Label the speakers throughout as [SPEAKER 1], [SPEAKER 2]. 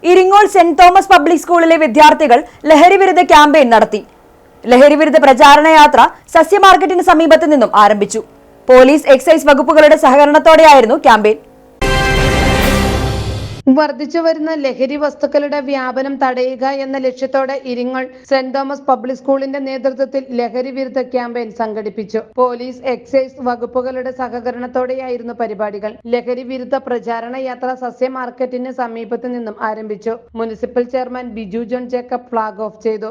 [SPEAKER 1] Iringole saint Thomas public സ്കൂളിലെ വിദ്യാർത്ഥികൾ ലഹരിവിരുദ്ധ ക്യാമ്പയിൻ നടത്തി. ലഹരിവിരുദ്ധ പ്രചാരണ യാത്ര സസ്യ മാർക്കറ്റിന് സമീപത്തു നിന്നും ആരംഭിച്ചു. പോലീസ്, എക്സൈസ് വകുപ്പുകളുടെ സഹകരണത്തോടെയായിരുന്നു ക്യാമ്പയിൻ.
[SPEAKER 2] വർദ്ധിച്ചു വരുന്ന ലഹരി വസ്തുക്കളുടെ വ്യാപനം തടയുക എന്ന ലക്ഷ്യത്തോടെ ഇരിങ്ങോൾ സെന്റ് തോമസ് പബ്ലിക് സ്കൂളിന്റെ നേതൃത്വത്തിൽ ലഹരി വിരുദ്ധ ക്യാമ്പയിൻ സംഘടിപ്പിച്ചു. പോലീസ്, എക്സൈസ് വകുപ്പുകളുടെ സഹകരണത്തോടെയായിരുന്നു പരിപാടികൾ. ലഹരി വിരുദ്ധ പ്രചാരണ യാത്ര സസ്യ മാർക്കറ്റിന് സമീപത്തു നിന്നും ആരംഭിച്ചു. Municipal chairman Biju John Jacob flag off ചെയ്തു.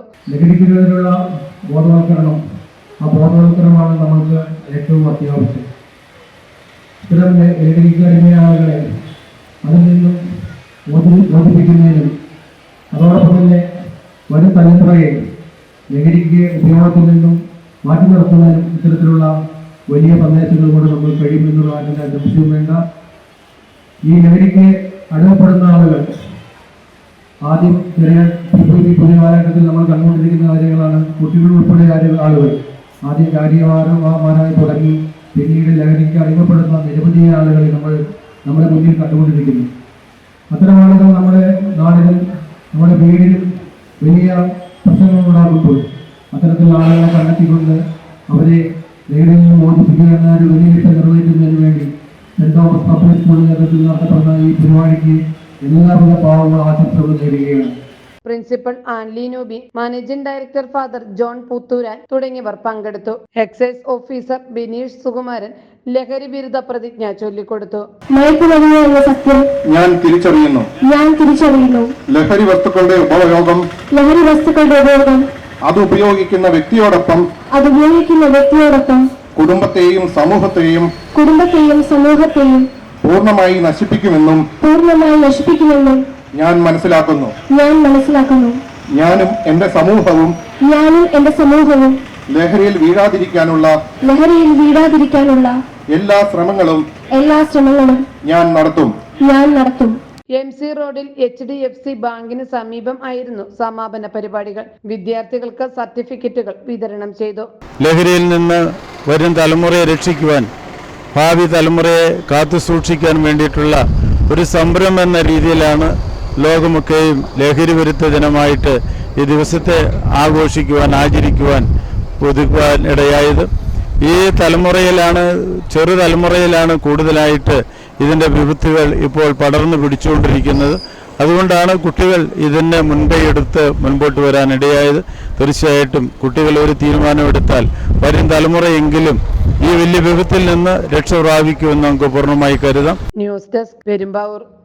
[SPEAKER 3] ബോധവൽക്കരണമാണ് നമുക്ക് ഏറ്റവും അത്യാവശ്യം. ഇത്തരം ലഹരിക്കടിമയാളുകളെ അതിൽ നിന്നും ബോധിപ്പിക്കുന്നതിനും അതോടൊപ്പം തന്നെ വരും തലമുറയെ ലഹരിക്ക് ഉപയോഗത്തിൽ നിന്നും മാറ്റി നിർത്തുന്നതിനും ഇത്തരത്തിലുള്ള വലിയ സന്ദേശങ്ങൾ കൊണ്ട് നമ്മൾ കഴിയുമെന്നുള്ള അതിൻ്റെ സംശയം വേണ്ട. ഈ ലഹരിക്ക് അടിമപ്പെടുന്ന ആളുകൾ ആദ്യം പുതിയ കാലഘട്ടത്തിൽ നമ്മൾ കണ്ടുകൊണ്ടിരിക്കുന്ന കാര്യങ്ങളാണ്. കുട്ടികൾ ഉൾപ്പെടെ ആളുകൾ ആദ്യം കാര്യമാരായി തുടങ്ങി പിന്നീട് ലഹരിക്ക് അടിമപ്പെടുന്ന നിരവധി ആളുകളെ നമ്മുടെ മുന്നിൽ കണ്ടുകൊണ്ടിരിക്കുന്നു. അത്തരം ആളുകൾ നമ്മുടെ നാടിനും നമ്മുടെ വീടിനും വലിയ പ്രശ്നങ്ങൾ ഉണ്ടാകുമ്പോൾ അത്തരത്തിലുള്ള ആളുകളെ കണ്ടെത്തിക്കൊണ്ട് അവരെ ലഹരിയിൽ നിന്ന് മോചിപ്പിക്കുക എന്ന ഒരു വലിയ ലക്ഷ്യം നിർവഹിക്കുന്നതിന് വേണ്ടി സെന്റ് തോമസ് പബ്ലിക് സ്കൂളിൽ നേതൃത്വത്തിൽ നടത്തപ്പെടുന്ന ഈ പരിപാടിക്ക് എല്ലാവിധ പാവങ്ങൾ ആശംസകൾ നേടുകയാണ്.
[SPEAKER 2] പ്രിൻസിപ്പൽ ആൻലി നൂബി, managing director father John Puthooran തുടങ്ങിയവർ പങ്കെടുത്തു. എക്സൈസ് ഓഫീസർ ബിനീഷ് സുകുമാരൻ ലഹരി വിരുദ്ധ പ്രതിജ്ഞ ചൊല്ലിക്കൊടുത്തു.
[SPEAKER 4] സത്യം ഞാൻ തിരിച്ചറിയുന്നു. ലഹരി വസ്തുക്കളുടെ ഉപയോഗം അത് ഉപയോഗിക്കുന്ന വ്യക്തിയോടൊപ്പം കുടുംബത്തെയും സമൂഹത്തെയും പൂർണ്ണമായി നശിപ്പിക്കുമെന്നും ഞാൻ മനസ്സിലാക്കുന്നു. ഞാനും എന്റെ സമൂഹവും ലഹരിയിൽ വീഴാതിരിക്കാനുള്ള എല്ലാ ശ്രമങ്ങളും ഞാൻ നടത്തും.
[SPEAKER 2] MC റോഡിൽ HDFC ബാങ്കിന് സമീപം ആയിരുന്നു സമാപന പരിപാടികൾ. വിദ്യാർത്ഥികൾക്ക് സർട്ടിഫിക്കറ്റുകൾ വിതരണം ചെയ്തു.
[SPEAKER 5] ലഹരിയിൽ നിന്ന് വരും തലമുറയെ രക്ഷിക്കുവാൻ, ഭാവി തലമുറയെ കാത്തു സൂക്ഷിക്കാൻ വേണ്ടിയിട്ടുള്ള ഒരു സംരംഭം എന്ന രീതിയിലാണ് ലോകമൊക്കെയും ലഹരി വിരുദ്ധ ദിനമായിട്ട് ഈ ദിവസത്തെ ആഘോഷിക്കുവാൻ, ആചരിക്കുവാൻ, ഒതുക്കുവാൻ ഇടയായത്. ഈ ചെറുതലമുറയിലാണ് കൂടുതലായിട്ട് ഇതിൻ്റെ വിപത്തുകൾ ഇപ്പോൾ പടർന്നു പിടിച്ചുകൊണ്ടിരിക്കുന്നത്. അതുകൊണ്ടാണ് കുട്ടികൾ ഇതിനെ മുൻകൈയെടുത്ത് മുൻപോട്ട് വരാനിടയായത്. തീർച്ചയായിട്ടും കുട്ടികൾ ഒരു തീരുമാനമെടുത്താൽ വരും തലമുറയെങ്കിലും ഈ വലിയ വിപത്തിൽ നിന്ന് രക്ഷ പ്രാപിക്കുമെന്ന് നമുക്ക് പൂർണ്ണമായി കരുതാം.
[SPEAKER 2] News desk, Perumbavoor.